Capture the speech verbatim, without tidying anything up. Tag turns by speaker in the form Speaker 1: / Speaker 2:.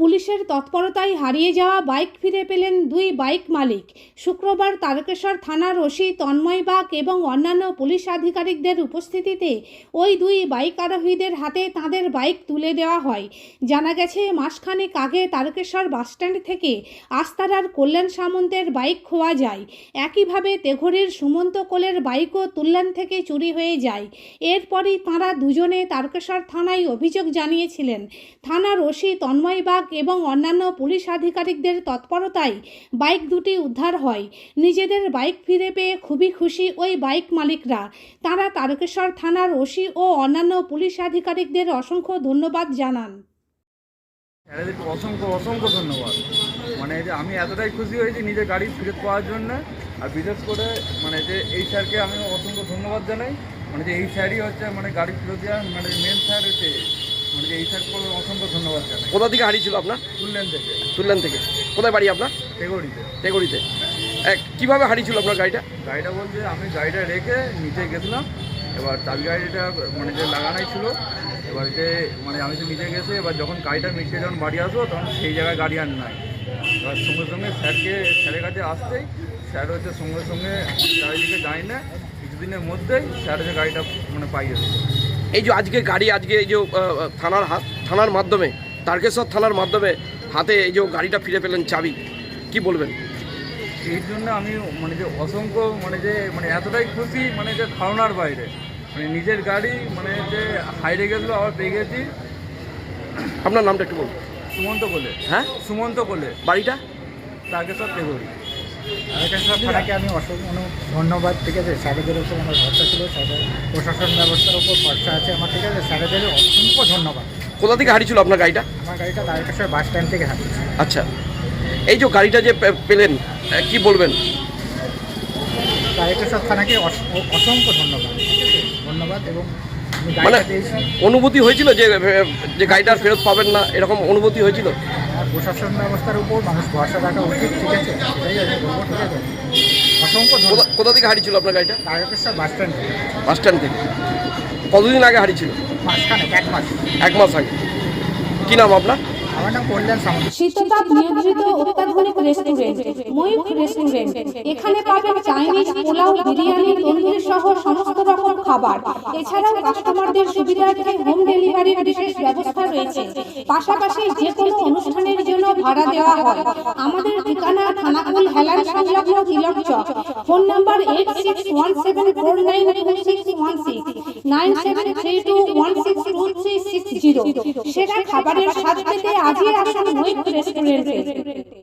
Speaker 1: পুলিশের তৎপরতায় হারিয়ে যাওয়া বাইক ফিরে পেলেন দুই বাইক মালিক। শুক্রবার তারকেশ্বর থানার ওসি তন্ময় বাগ এবং অন্যান্য পুলিশ আধিকারিকদের উপস্থিতিতে ওই দুই বাইক আরোহীদের হাতে তাঁদের বাইক তুলে দেওয়া হয়। জানা গেছে, মাসখানেক আগে তারকেশ্বর বাসস্ট্যান্ড থেকে আস্তারার কল্যাণ সামন্তের বাইক খোয়া যায়। একইভাবে তেঘরির সুমন্ত কোলের বাইকও তুল্যান থেকে চুরি হয়ে যায়। এরপরই তাঁরা দুজনে তারকেশ্বর থানায় অভিযোগ জানিয়েছিলেন। থানার ওসি তন্ময় বাগ এবং অন্যান্য পুলিশ আধিকারিকদের তৎপরতায় বাইক দুটি উদ্ধার হয়। নিজেদের বাইক ফিরে পেয়ে খুবই খুশি ওই বাইক মালিকরা। তারা তারকেশ্বর থানার ওসি ও অন্যান্য পুলিশ আধিকারিকদের অসংখ্য ধন্যবাদ জানান।
Speaker 2: অসংখ্য অসংখ্য ধন্যবাদ। মানে যে আমি এতটাই খুশি হয়েছি নিজের গাড়ি ফিরত পাওয়ার জন্য। আর বিশেষ করে মানে যে এই স্যারকে আমি অসংখ্য ধন্যবাদ জানাই। মানে যে এই স্যারই হচ্ছে মানে গাড়ি ফিরত দেওয়ার মানে মেন স্যার হচ্ছে, মানে যে এই স্যারকে অসংখ্য ধন্যবাদ জানাই।
Speaker 3: কোথা থেকে হারিয়েছিল আপনার?
Speaker 2: তুললেন থেকে।
Speaker 3: তুললেন থেকে কোথায় বাড়ি আপনার?
Speaker 2: তেগড়িতে।
Speaker 3: তেগড়িতে। এক কীভাবে হারিয়েছিল আপনার গাড়িটা?
Speaker 2: গাড়িটা বলতে আমি গাড়িটা রেখে নিচে গেছিলাম, এবার চাবি গাড়িটা মানে যে লাগানোই ছিল, এবার যে মানে আমি তো নিচে গেছি, এবার যখন গাড়িটা মিটে যখন বাড়ি আসবো তখন সেই জায়গায় গাড়ি আর নাই। এবার সঙ্গে সঙ্গে স্যারকে স্যারের কাছে আসতেই স্যার হচ্ছে সঙ্গে সঙ্গে চারিদিকে যায় না, কিছুদিনের মধ্যেই স্যার হচ্ছে গাড়িটা মানে পাইয়ে দিল।
Speaker 3: এই যে আজকে গাড়ি আজকে এই যে থানার হাত থানার মাধ্যমে তারকেশ্বর থানার মাধ্যমে হাতে এই যে গাড়িটা ফিরে পেলেন চাবি, কি বলবেন?
Speaker 2: এই জন্য আমি মানে যে অসংখ্য মানে যে মানে এতটাই খুশি, মানে যে ধারণার বাইরে। মানে নিজের গাড়ি মানে যে হাইরে গেছিলো আবার পেয়ে গেছি।
Speaker 3: আপনার নামটা একটু বলুন।
Speaker 2: সুমন্ত কোলে।
Speaker 3: হ্যাঁ,
Speaker 2: সুমন্ত কোলে।
Speaker 3: বাড়িটা?
Speaker 2: তারকেশ্বর তেঘরি।
Speaker 4: তারকেশ্বর থানাকে আমি অসংখ্য ধন্যবাদ। ঠিক আছে, স্যারেদের উপর আমার ভরসা ছিল, স্যারের প্রশাসন ব্যবস্থার উপর ভরসা আছে আমার। ঠিক আছে, স্যারেদের অসংখ্য ধন্যবাদ।
Speaker 3: কোথা থেকে হারিয়েছিল আপনার গাড়িটা?
Speaker 4: আমার গাড়িটা তারকেশ্বর বাস স্ট্যান্ড থেকে হারিয়েছে।
Speaker 3: আচ্ছা, এই যে গাড়িটা যে পেলেন কি বলবেন?
Speaker 4: তারকেশ্বর থানাকে অসংখ্য ধন্যবাদ। ঠিক আছে, ধন্যবাদ। এবং আমি
Speaker 3: মানে
Speaker 4: গাড়িটা পেয়েছি।
Speaker 3: অনুভূতি হয়েছিল যে যে গাড়িটা ফেরত পাবেন না, এরকম অনুভূতি হয়েছিল?
Speaker 4: আমার প্রশাসন ব্যবস্থার উপর মানুষ ভরসা রাখা উচিত। ঠিক আছে, সেটাই আমি বলবো। ঠিক আছে, অসংখ্য ধন্যবাদ।
Speaker 3: কোথা থেকে হারিয়েছিল আপনার গাড়িটা?
Speaker 4: তারকেশ্বর বাস স্ট্যান্ড থেকে।
Speaker 3: বাস স্ট্যান্ড থেকে। কতদিন আগে হারিয়েছিল?
Speaker 4: মাসখানেক, এক মাস।
Speaker 3: এক মাস আগে। কি নাম আপনার?
Speaker 4: আমার নাম কল্যাণ সামন্ত।
Speaker 1: শীততাপ নিয়ন্ত্রিত অত্যাধুনিক রেস্টুরেন্ট ময়ূখ রেস্টুরেন্ট। এখানে পাবেন চাইনিজ, পোলাও, বিরিয়ানি, তন্দুরি সহ সমস্ত রকম খাবার। এছাড়াও কাস্টমারদের সুবিধার্থে হোম ডেলিভারির বিশেষ ব্যবস্থা রয়েছে। পাশাপাশি যে কোনো অনুষ্ঠানের জন্য ভাড়া দেওয়া হয়। আমাদের ঠিকানা থানাকুল হেলান সংলগ্ন Tilak Chak. Phone number eight six one seven four nine two six one six nine seven three two one six two three six zero. সেরা খাবারের স্বাদ পেতে আজই আসুন ময়ূখ রেস্টুরেন্টে।